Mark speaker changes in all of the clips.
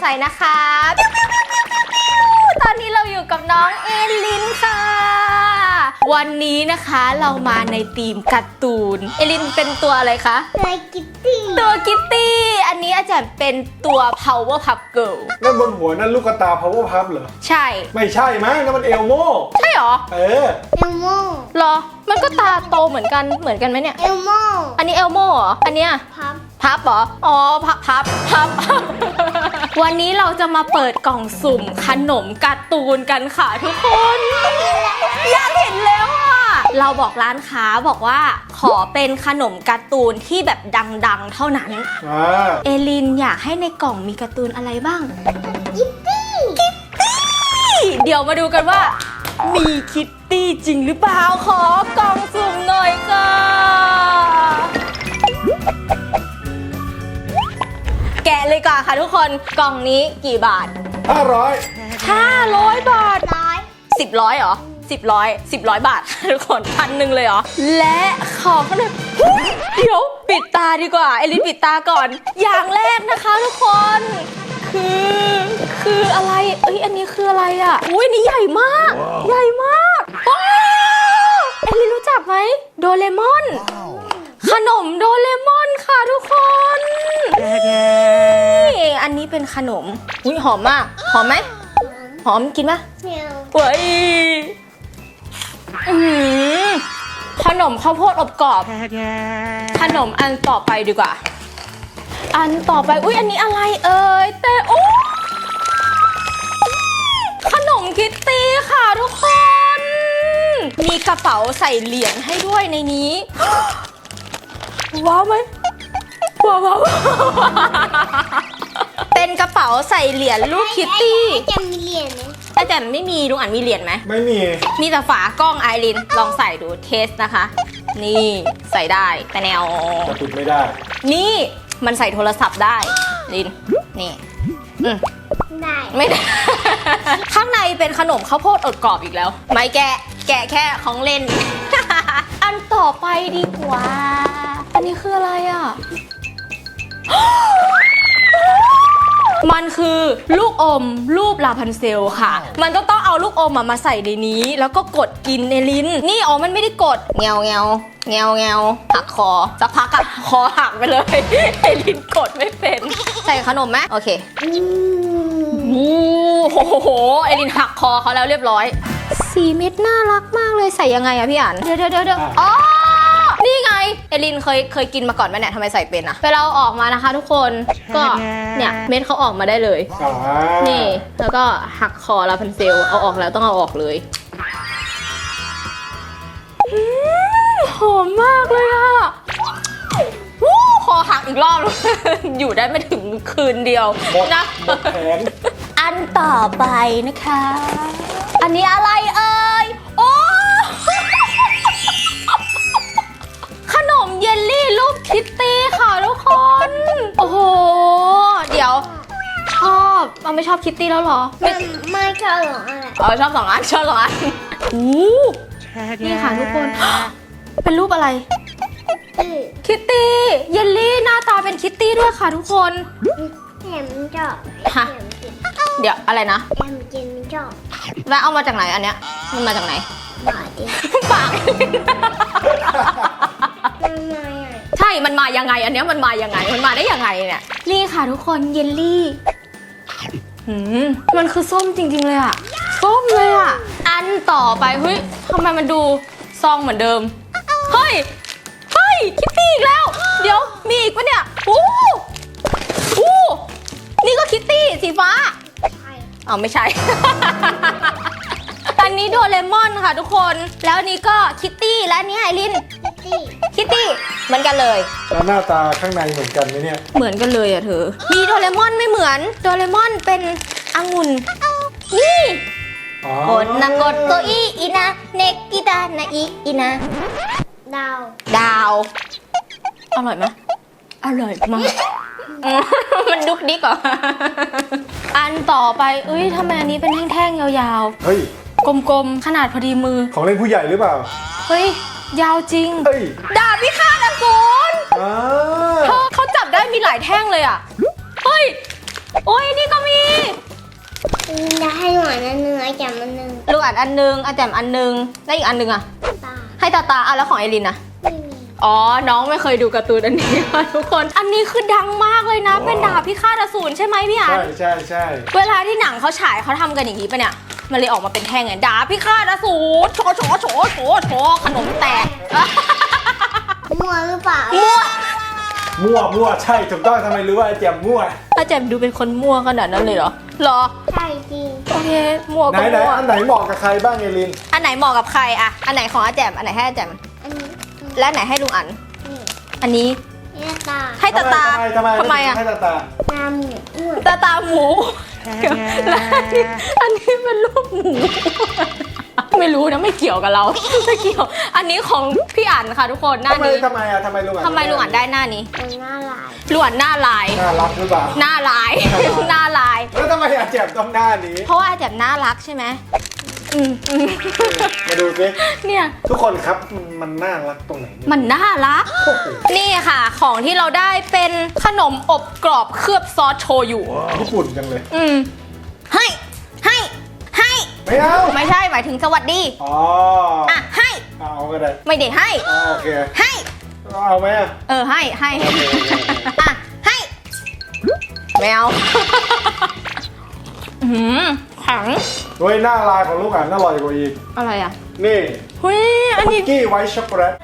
Speaker 1: ส่นะคะตอนนี้เราอยู่กับน้องเอลินค่ะวันนี้นะคะเรามาในธีมการ์ตูนเอลินเป็นตัวอะไรคะ
Speaker 2: ตัวกิตตี้
Speaker 1: อันนี้อาจารย์เป็นตัว Powerpuff Girl
Speaker 3: นั่นบนหัวนั่นลูกตา Powerpuff เหรอ
Speaker 1: ใช่
Speaker 3: ไม่ใช่มั้งนั่นมันเอลโม่
Speaker 1: ใช่หรอ
Speaker 3: เออ
Speaker 2: เอลโม่
Speaker 1: หรอมันก็ตาโตเหมือนกันไหมเนี่ย
Speaker 2: เอลโม่
Speaker 1: อันนี้เอลโม่เหรออันเนี้ยพับเหรออ๋อพับ วันนี้เราจะมาเปิดกล่องสุ่มขนมการ์ตูนกันค่ะทุกคนอยากเห็นแล้วอ่ะเราบอกร้านค้าบอกว่าขอเป็นขนมการ์ตูนที่แบบดังๆเท่านั้นเอลินอยากให้ในกล่องมีการ์ตูนอะไรบ้าง
Speaker 2: คิตตี้
Speaker 1: เดี๋ยวมาดูกันว่ามีคิตตี้จริงหรือเปล่าขอกล่องสุ่มหน่อยค่ะแกะเลยก่อนค่ะทุกคนกล่องนี้กี่บาท500 บาท10ร้อยเหรอ10 บาททุกคน1,000เลยเหรอและของขนมเดี๋ยวปิดตาดีกว่าเอลินปิดตาก่อนอย่างแรกนะคะทุกคนคืออะไรอันนี้คืออะไรอ่ะอุ้ยนี่ใหญ่มากใหญ่มากว้าวเอลินรู้จักไหมโดเรมอนขนมโดเรมอนค่ะทุกคนอันนี้เป็นขนมอุ้ยหอมมากหอมไหมหอมกินปะเฮ้ยขนมข้าวโพดอบกรอบขนมอันต่อไปดีกว่าอันต่อไปอุ้ยอันนี้อะไรแต่โอ้ขนมคิตตี้ค่ะทุกคนมีกระเป๋าใส่เหรียญให้ด้วยในนี้ว้าวไหมว้าวเป็นกระเป๋าใส่เหรียญลูกคิตตี้
Speaker 2: จะมีเหรียญไหม
Speaker 1: อาจารย์ไม่มีลุงอันมีเหรียญไหม
Speaker 3: ไม่มี
Speaker 1: แต่ฝากล้องไอรินลองใส่ดูเทสนะคะนี่ใส่ได้แต่แนว
Speaker 3: แต่ปิดไม่ได้
Speaker 1: นี่มันใส่โทรศัพท์ได้ลินนี่
Speaker 2: ได้
Speaker 1: ไม่ได้ ข้างในเป็นขนมข้าวโพดอดกรอบอีกแล้วไม่แกะแค่ของเล่น อันต่อไปดีกว่าอันนี้คืออะไรอ่ะ มันคือลูกอมรูปลาพันเซลค่ะมันต้องเอาลูกอมมาใส่ในนี้แล้วก็กดกินในลิ้นนี่มันไม่ได้กดเงาหักคอสักพักอะคอหักไปเลยไอลิ้นกดไม่เป็นใส่ขนมไหมโอเคโอ้โหไอลิ้นหักคอเขาแล้วเรียบร้อย4 เม็ดน่ารักมากเลยใส่ยังไงอะพี่อั๋นเดี๋ยวอ๋อนี่ไงเอลินเคยกินมาก่อนไหมเนี่ยทำไมใส่เป็นอะเวลาออกมานะคะทุกคนก็เนี่ยเม็ดเขาออกมาได้เลยนี่แล้วก็หักคอลาพันเซลเอาออกแล้วต้องเอาออกเลยหอมมากเลยอะคอหักอีกรอบ อยู่ได้ไม่ถึงคืนเดียวนะอันต่อไปนะคะอันนี้อะไรโอ้ขนมเยลลี่รูปคิตตี้ค่ะทุกคนโอ้โหเดี๋ยวชอบไม่ชอบคิตตี้แล้วเหรอ
Speaker 2: ไม่ชอบหรออะไร
Speaker 1: ชอบ2 อันนี่ค่ะทุกคนเป็นรูปอะไรคิตตี้เยลลี่หน้าตาเป็นคิตตี้ด้วยค่ะทุกคน
Speaker 2: แอมชอบ
Speaker 1: เดี๋ยวอะไรนะ
Speaker 2: แอมกินไม่ชอบ
Speaker 1: แล้วเอามาจากไหนอันเนี้ยมันมาจากไหนปากใช่มันมายังไงอันเนี้ยมันมายังไงมันมาได้ยังไงเนี่ยนี่ค่ะทุกคนเยลลี่มันคือส้มจริงๆเลยอะส้มเลยอะอันต่อไปเฮ้ยทำไมมันดูซองเหมือนเดิมเฮ้ยคิตตี้อีกแล้วเดี๋ยวมีอีกปะเนี่ยนี่ก็คิตตี้สีฟ้าไม่ใช่ อันนี้โดเรมอนค่ะทุกคนแล้วนี้ก็คิตตี้และนี่ไอรินคิตตี้เหมือนกันเลย
Speaker 3: แล้วหน้าตาข้างในเหมือนกันไหมเนี่ย
Speaker 1: เหมือนกันเลยอะเธอมีโดเรมอนไม่เหมือนโดเรมอนเป็นองุ่นนี่กดนะกดตัวอีนะเนกิดานะอีนะดาวอร่อยไหมอร่อยมาก มันดุกดิกเหรออันต่อไปทำไมอันนี้เป็นแท่งๆยาวๆ
Speaker 3: เฮ้ย
Speaker 1: กลมๆขนาดพอดีมือ
Speaker 3: ของเล่นผู้ใหญ่หรือเปล่า
Speaker 1: เฮ้ยยาวจริงดาบพิฆาตอสูรเขาจับได้มีหลายแท่งเลยอ่ะเฮ้ยโอ้ยนี่ก็มี
Speaker 2: จะให้หวานเนื้อจับมันหนึ่ง
Speaker 1: ลูกอันอันนึงอาแจมอันนึงแล้วอีกอันนึงอะ
Speaker 2: ตา
Speaker 1: ให้ตาตาอ่ะแล้วของเอลินอะ
Speaker 2: ไม่มี
Speaker 1: อ๋อ น้องไม่เคยดูการ์ตูนอันนี้ค่ะทุกคน อันนี้คือดังมากเลยนะ เป็นดาบพิฆาตอสูรใช่ไหมพี่อัน
Speaker 3: ใช่
Speaker 1: เวลาที่หนังเขาฉายเขาทำกันอย่างนี้ปะเนี่ย มันเลยออกมาเป็นแท่งไงดาบพิฆาตอสูรโชโชโชโชโชขนมแตก
Speaker 2: มั่วหรือเปล่า
Speaker 3: มั่วใช่ถูกต้องทำไมรู้ว่าไอ้แจมมั่ว
Speaker 1: อาแจมดูเป็นคนมั่วขนาดนั้นเลยเหรอ เหรอ
Speaker 2: ใช่จริง
Speaker 1: โอเค มั่ว
Speaker 3: ไหน
Speaker 1: ก็
Speaker 3: ไหน
Speaker 1: มั่ว
Speaker 3: อันไหนเหมาะกับใครบ้างเอลิน
Speaker 1: อันไหนเหมาะกับใครอะอันไหนของอาแจม อันไหนให้อาแจม
Speaker 2: อันนี้
Speaker 1: และอันไหนให้ลุงอัน
Speaker 2: นี่
Speaker 1: อันนี้
Speaker 2: เนี่ยตา
Speaker 1: ให้ตาตา
Speaker 3: ทำไม
Speaker 1: อะ
Speaker 3: ให้ตา
Speaker 2: ตาหมูอ้วน
Speaker 1: ตาหมูและอันนี้เป็นรูปหมู ไม่รู้นะไม่เกี่ยวกับเรา ไม่เกี่ยว อันนี้ของพี่อั๋นค่ะทุกคนหน้านี้
Speaker 3: ทำไมลุงอัน
Speaker 1: ทำไมลุงอั๋นได้หน้านี้
Speaker 2: เป็นหน้าลาย
Speaker 1: ลุงอั๋นหน้าลาย
Speaker 3: น่ารักหรือเปล่า
Speaker 1: หน้าลาย หน้าลาย
Speaker 3: แล้วทำไมอาแจมต้องหน้านี้
Speaker 1: เพราะว่าอาแจมน่ารักใช่ไหมอืม
Speaker 3: มาดูสิ
Speaker 1: เนี่ย
Speaker 3: ทุกคนครับมันน่ารักตรงไหนเนี่ย
Speaker 1: มันน่ารัก
Speaker 3: โอ้โห
Speaker 1: นี่ค่ะ ของที่เราได้เป็นขนมอบกรอบเคลือบซอสโชยุ
Speaker 3: ญี่ปุ่นจังเลย
Speaker 1: ให้
Speaker 3: ไม่เอา
Speaker 1: ไม่ใช่หมายถึงสวัสดี
Speaker 3: อ๋อ
Speaker 1: อ่ะให้
Speaker 3: เอาก็ได้
Speaker 1: ไม่ได้ให้
Speaker 3: อ๋อโอเค
Speaker 1: ให้
Speaker 3: เอาไหมอะ
Speaker 1: ให้ อ่ะ ให้แมวแข็ง
Speaker 3: โดยหน้าลายของลูกอันอร่อยกว่าอีก
Speaker 1: อะไรอ่ะ
Speaker 3: นี่
Speaker 1: เฮ้ย อัน
Speaker 3: คุ
Speaker 1: นี้
Speaker 3: กกี้ไวท์ช็อกโกแลต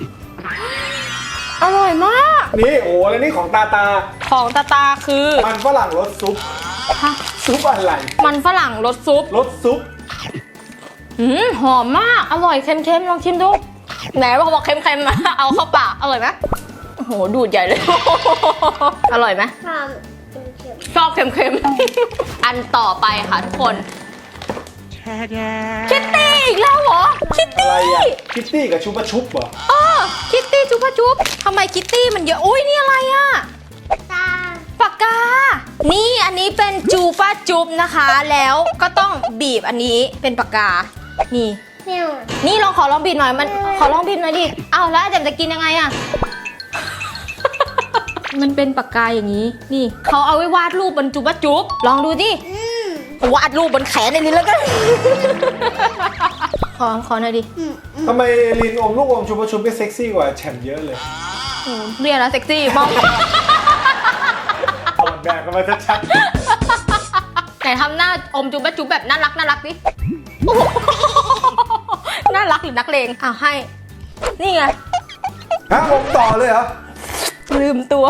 Speaker 1: อร่อยมาก
Speaker 3: นี่โอ้แล้วนี่ของตา
Speaker 1: ของตาคือ
Speaker 3: มันฝรั่งรสซุป
Speaker 1: ฮะ
Speaker 3: ซุปอะไร
Speaker 1: มันฝรั่งรสซุป
Speaker 3: รสซุป
Speaker 1: หอมมาก อร่อยเค็มๆ ลองชิมดู ไหนบอกเค็มๆมา เอาเข้าปาก อร่อยไหมโอ้โห ดูดใหญ่เลย อร่อยไหม
Speaker 2: ทำเป็นเข็ม
Speaker 1: ชอบเค็มๆ อันต่อไปค่ะทุกคน คิตตี้อีกแล้วเหรอ คิต
Speaker 3: อะไร
Speaker 1: ตี้
Speaker 3: อ่ะคิตตี้กับชุบะชุบเหรอ
Speaker 1: คิตตี้จุ๊บะจุ๊บทำไมคิตตี้มันเยอะ อุ้ยนี่อะไรอ่ะ
Speaker 2: ตา
Speaker 1: ปากกา นี่อันนี้เป็นจูปาจุ๊บนะคะ แล้วก็ต้องบีบอันนี้เป็นปากกา นี่
Speaker 2: แมว
Speaker 1: นี่ขอลองบีบหน่อย มันขอลองบีบหน่อยดิ อ้าวแล้วอาจารย์จะกินยังไงอ่ะ มันเป็นปากกาอย่างนี้ นี่เขาเอาไว้วาดรูปบนจูบะจุ๊บลองดูดิ วาดรูปบนแขนในนี้แล้วกัน ขอหน่อยดิ
Speaker 3: ทำไมลินอมลูกอมชุบะชุบก็เซ็กซี่กว่าแฉมเยอะเลย
Speaker 1: โอ้เรียนแล้วเซ็กซี่มอง
Speaker 3: ถอดแบบกันมาชัด
Speaker 1: ไหนทำหน้าอมจุ๊บะจุ๊บแบบน่ารักดิ โอ้โหน่ารักหรือนักเลงอ้าวให้ นี่ไง
Speaker 3: ๆฮะอมต่อเลยเหรอ
Speaker 1: ลืมตัว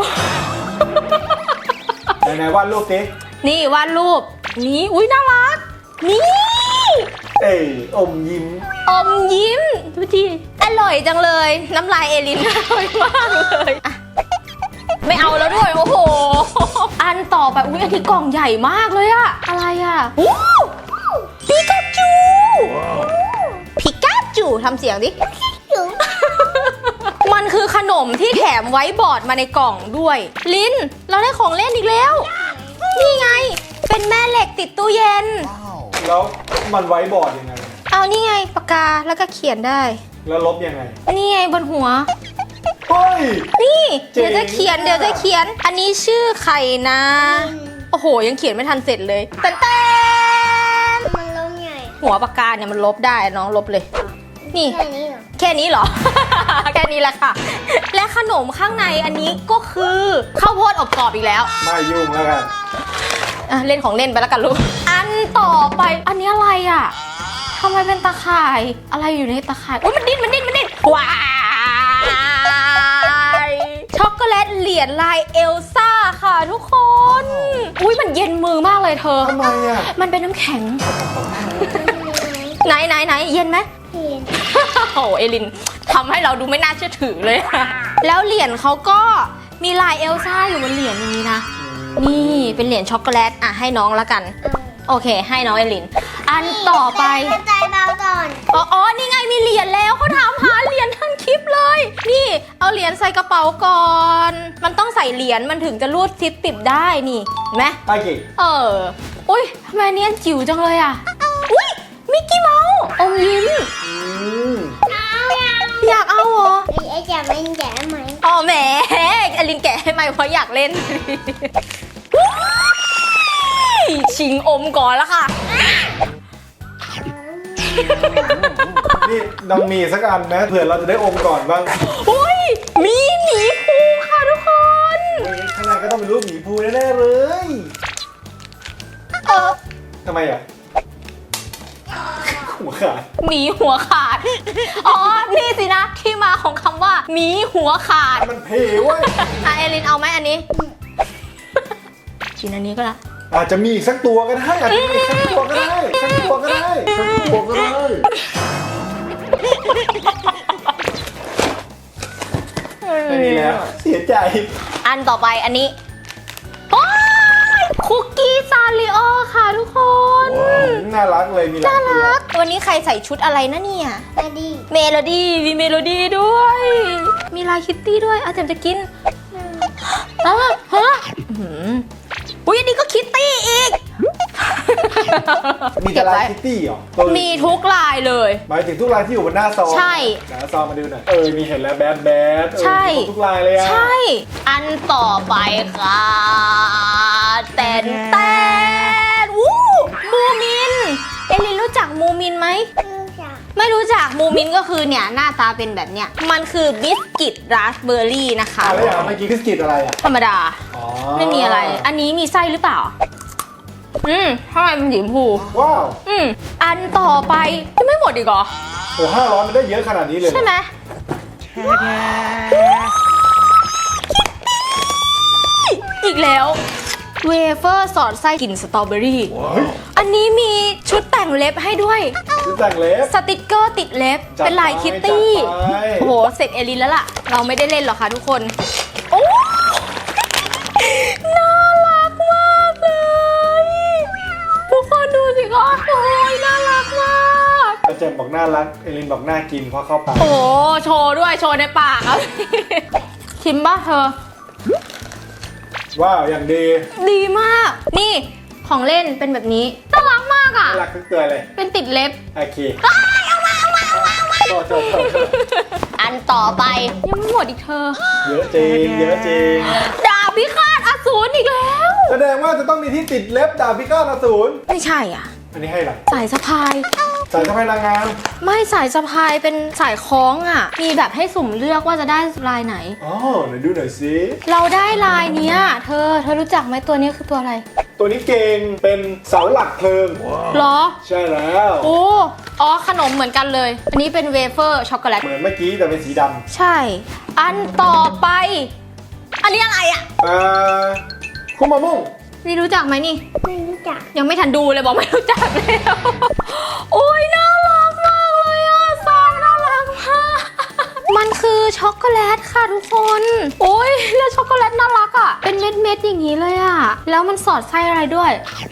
Speaker 3: ไหนๆวาดรูปสิ
Speaker 1: นี่วาดรูป นี่อุ้ยน่ารัก นี่
Speaker 3: เอ้ยอมยิ้ม
Speaker 1: อมยิ้มดูดิอร่อยจังเลย น้ำลายเอลินอร่อยมากเลยอ่ะไม่เอาแล้วด้วย โอ้โห อันต่อไปอุ้ยอันนี้กล่องใหญ่มากเลยอะอะไรอะอู้ปิกาจูปิกาจูทำเสียงดิ
Speaker 2: จุ๊บ
Speaker 1: มันคือขนมที่แถมไว้บอร์ดมาในกล่องด้วย ลิน เราได้ของเล่นอีกแล้ว นี่ไง เป็นแม่เหล็กติดตู้เย็น
Speaker 3: แล้วมันไว้บอร์ดยังไง
Speaker 1: เอานี่ไงปากกาแล้วก็เขียนได้
Speaker 3: แล้วลบยังไง
Speaker 1: นี่ไงบนหัว
Speaker 3: เฮ้ย
Speaker 1: นี่
Speaker 3: เจ๋ง
Speaker 1: เดี๋ยวจะเขียน อันนี้ชื่อใครนะ โอ้โห ยังเขียนไม่ทันเสร็จเลยเต้น
Speaker 2: มันลงใหญ่
Speaker 1: หัวปากกาเนี่ยมันลบได้น้องลบเลย นี่
Speaker 2: แค่นี้เหรอ
Speaker 1: แค่นี้เหรอ แค่นี้แหละค่ะ และขนมข้างในอันนี้ก็คือข้าวโพดอบกรอบอีกแล้ว
Speaker 3: ไม่ยุ่งแล้วกัน
Speaker 1: อ่ะเล่นของเล่นไปแล้วกันลูก อันต่อไป อันนี้อะไรอ่ะทำไมเป็นตาข่าย อะไรอยู่ในตาข่าย อุ้ยมันดิ้นว้ายช็อกโกแลตเหรียญลายเอลซ่าค่ะทุกคน อุ้ยมันเย็นมือมากเลยเธอ
Speaker 3: ทำไมอ่ะ
Speaker 1: มันเป็นน้ำแข็ง ไหนเย็นไหม
Speaker 2: เห็น
Speaker 1: โอ้เอลินทำให้เราดูไม่น่าเชื่อถือเลย แล้วเหรียญเขาก็มีลายเอลซ่าอยู่บนเหรียญอย่างนี้นะ นี่เป็นเหรียญช็อกโกแลตอ่ะให้น้องละกัน โอเค ให้น้องเอลิน อันต่อไป
Speaker 2: ใจเบาก่อน
Speaker 1: อ๋อ นี่ไงมีเหรียญแล้วเขาถามหาเหรียญทั้งคลิปเลย นี่เอาเหรียญใส่กระเป๋าก่อน มันต้องใส่เหรียญมันถึงจะรูดซิปปิดได้นี่เห็นไหม
Speaker 3: ไอ้กี่
Speaker 1: อุ้ยทำไมอันนี้อันจิ๋วจังเลยอ่ะ อุ้ยมิกกี้เมาส์อมยิ้ม อยากเอาเหรอ
Speaker 2: ไอ้แจ๋มมันแจ๋มไหม
Speaker 1: อ๋อแหมอลินแกะให้ไหมเพราะอยากเล่นชิงอมก่อนแล้วค่ะ
Speaker 3: นี่น้องมีสักอันนะเผื่อเราจะได้อมก่อนบ้าง
Speaker 1: อุ้ยมีหมีภูค่ะทุกคน
Speaker 3: ข้างในก็ต้องเป็นรูปหมีภูแน่ๆเลย ทำไมอ่ะหัวขาด
Speaker 1: หมีหัวขาด อ๋อ นี่สินะที่มาของคำว่าหมีหัวขาด
Speaker 3: มันเพเว้ย
Speaker 1: เอลินเอาไหมอันนี้ กินอันนี้ก็ละ
Speaker 3: อาจจะมีอีกสักตัวก็ได้อาจจะมีอีกสักตัวก็ได้สักตัวก็ได้สักตัวก็ได้ไม่มีแล้วเสียใจ
Speaker 1: อันต่อไปอันนี้โอ้ยคุกกี้ซาริโอค่ะทุกคน
Speaker 3: น่ารักเลยมีหลาย
Speaker 1: น่า
Speaker 3: ตัว
Speaker 1: รัก วันนี้ใครใส่ชุดอะไรนะเนี่ย
Speaker 2: มาดี
Speaker 1: เมโลดี้มีเมโลดี้ด้วย มีลายคิตตี้ด้วยอาจารย์จะกินฮะอุ้ยอันนี้ก็คิตตี้อีก
Speaker 3: มีแต่ลายคิตตี้เหรอ
Speaker 1: มีทุกลายเลย
Speaker 3: หมายถึงทุกลายที่อยู่บนหน้าซอง
Speaker 1: ใช่
Speaker 3: หน้าซองมาดูหน่อยมีเห็นแล้วแบด
Speaker 1: ใช่
Speaker 3: มีทุกลายเลยอะ
Speaker 1: ใช่ อันต่อไปค่ะแตนวู้มูมิน เอลินรู้จักมูมินไหม
Speaker 2: รู้จัก
Speaker 1: ไม่รู้จักมูมินก็คือเนี่ยหน้าตาเป็นแบบเนี้ย มันคือบิสกิตราสเบอร์รี่นะคะ
Speaker 3: แล้วอย่างเมื่อกี้คือสกิดอะไรอ่ะ
Speaker 1: ธรรมดา
Speaker 3: อ๋อ
Speaker 1: ไม่มีอะไร อันนี้มีไส้หรือเปล่า ทำไมมันสีชมพู
Speaker 3: ว้าว
Speaker 1: อันต่อไปยังไม่หมดอีกเหรอ
Speaker 3: โอ้500มันได้เยอะขนาดนี้เลย
Speaker 1: ใช่ไหมอีกแล้วเวเฟอร์สอดไส้กลิ่นสตรอเบอรี่
Speaker 3: เฮ้ย
Speaker 1: อันนี้มีชุดแต่งเล็บให้ด้วย
Speaker 3: ชุดแต่งเล็บ
Speaker 1: สติกเกอร์ติดเล็บ
Speaker 3: จัดไป
Speaker 1: เป็นลายคิตตี้
Speaker 3: จัดไป
Speaker 1: โอ้โห เสร็จเอลินแล้วล่ะ เราไม่ได้เล่นหรอกค่ะทุกคน โอ้น่ารักมากเลย ทุกคนดูสิคะโอ้ยน่ารักมาก
Speaker 3: อาจารย์บอกน่ารัก เอลินบอกน่ากินเพราะเข้าปาก
Speaker 1: โอ้โชว์ด้วยโชว์ในปากครับ ชิมบ้าเธอ
Speaker 3: ว้าว อย่างดี
Speaker 1: ดีมาก นี่ของเล่นเป็นแบบนี้ น่ารักมากอ่ะ
Speaker 3: น่ารักทุกตัวเลย
Speaker 1: เป็นติดเล็บ
Speaker 3: โอเคโทษ
Speaker 1: อันต่อไปยังไม่หมดอีกเธอ
Speaker 3: เยอะจริง เยอะจริง
Speaker 1: ดาบพิฆาตอสูรอีกแล้ว
Speaker 3: แสดงว่าจะต้องมีที่ติดเล็บดาบพิฆาตอสูร
Speaker 1: ไม่ใช่อ่ะ
Speaker 3: อันนี้ให้หรอ
Speaker 1: สายสะพาย
Speaker 3: สายสะพายนางงาม
Speaker 1: ไม่สายสะพายเป็นสายคล้องอ่ะ มีแบบให้สุ่มเลือกว่าจะได้ลายไหน
Speaker 3: อ๋อไหนดูหน่อยสิ
Speaker 1: เราได้ลายเนี้ยเธอรู้จักไหมตัวนี้คือตัวอะไร
Speaker 3: ตัวนี้เก่งเป็นเสาหลักเพลิง
Speaker 1: หรอ
Speaker 3: ใช่แล้ว
Speaker 1: โอ้อ๋อขนมเหมือนกันเลย อันนี้เป็นเวเฟอร์ช็อกโกแลต
Speaker 3: เหมือนเมื่อกี้แต่เป็นสีด
Speaker 1: ใช่ อันต่อไป อันนี้อะไรอ่ะ
Speaker 3: ำคุมามุ่ง
Speaker 1: นี่รู้จักไหมนี่
Speaker 2: ไม่รู้จัก
Speaker 1: ยังไม่ทันดูเลยบอกไม่รู้จักแล้วโอ้ยน่ารักมากเลยอ่ะซองน่ารักมาก มันคือช็อกโกแลตค่ะทุกคน โอ้ยแล้วช็อกโกแลตน่ารักอ่ะ เป็นเม็ดๆอย่างนี้เลยอ่ะ แล้วมันสอดไส้อะไรด้วย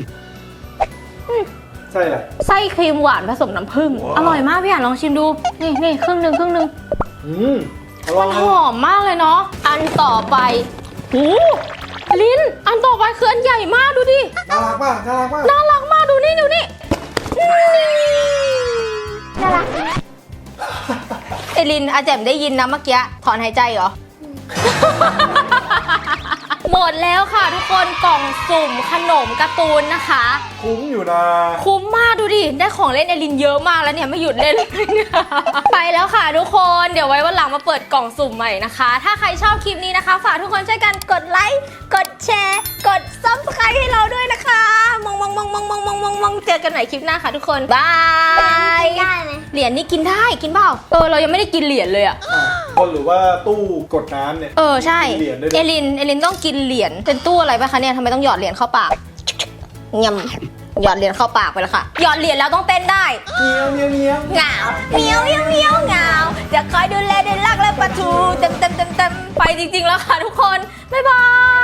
Speaker 3: ใช่แหละ
Speaker 1: ไส้ครีมหวานผสมน้ำผึ้ง อร่อยมากพี่อ่านลองชิมดู นี่ครึ่งหนึ่ง
Speaker 3: อร่อย
Speaker 1: หอมมากเลยเนาะ อันต่อไปหูลิ้น อันต่อไปคืออันใหญ่มากดูดิ
Speaker 3: น่ารักมากน่ารักมาก
Speaker 1: น่ารักมากดูนี่นี่น่ารัก เอลินอาแจมได้ยินนะเมื่อกี้ถอนหายใจเหรอ หมดแล้วค่ะทุกคนกล่องสุ่มขนมการ์ตูนนะคะ
Speaker 3: คุ้มอยู่นะ
Speaker 1: คุ้มมากดูดิ ได้ของเล่นเอลินเยอะมากแล้วเนี่ยไม่หยุดเล่นเลยเนี่ย ไปแล้วค่ะทุกคนเดี๋ยวไว้วันหลังมาเปิดกล่องสุ่มใหม่นะคะ ถ้าใครชอบคลิปนี้นะคะฝากทุกคนช่วยกันกดไลค์กดแชร์กด Subscribe ให้เราด้วยนะคะมองเจอกันใหม่คลิปหน้าค่ะทุกคนบาย
Speaker 2: ได้ไหม
Speaker 1: เหรียญนี่กินได้กินเปล่าเรายังไม่ได้กินเหรียญเลยอะ
Speaker 3: คนหรือว่าตู้กดน้ำเนี่ย
Speaker 1: ใช่
Speaker 3: มีเหรียญด้วย
Speaker 1: เอลินต้องกินเหรียญเป็นตู้อะไรปะคะเนี่ยทำไมต้องหยอดเหรียญเข้าปากยำหยอดเหรียญเข้าปากไปแล้วค่ะหยอดเหรียญแล้วต้องเต้นได้
Speaker 3: เมียวเมียวเมียว
Speaker 1: เหงาเมียวเหงาจะคอยดูแลเด็กรักและปะทูเต็มไปจริงๆแล้วค่ะทุกคนบ๊ายบาย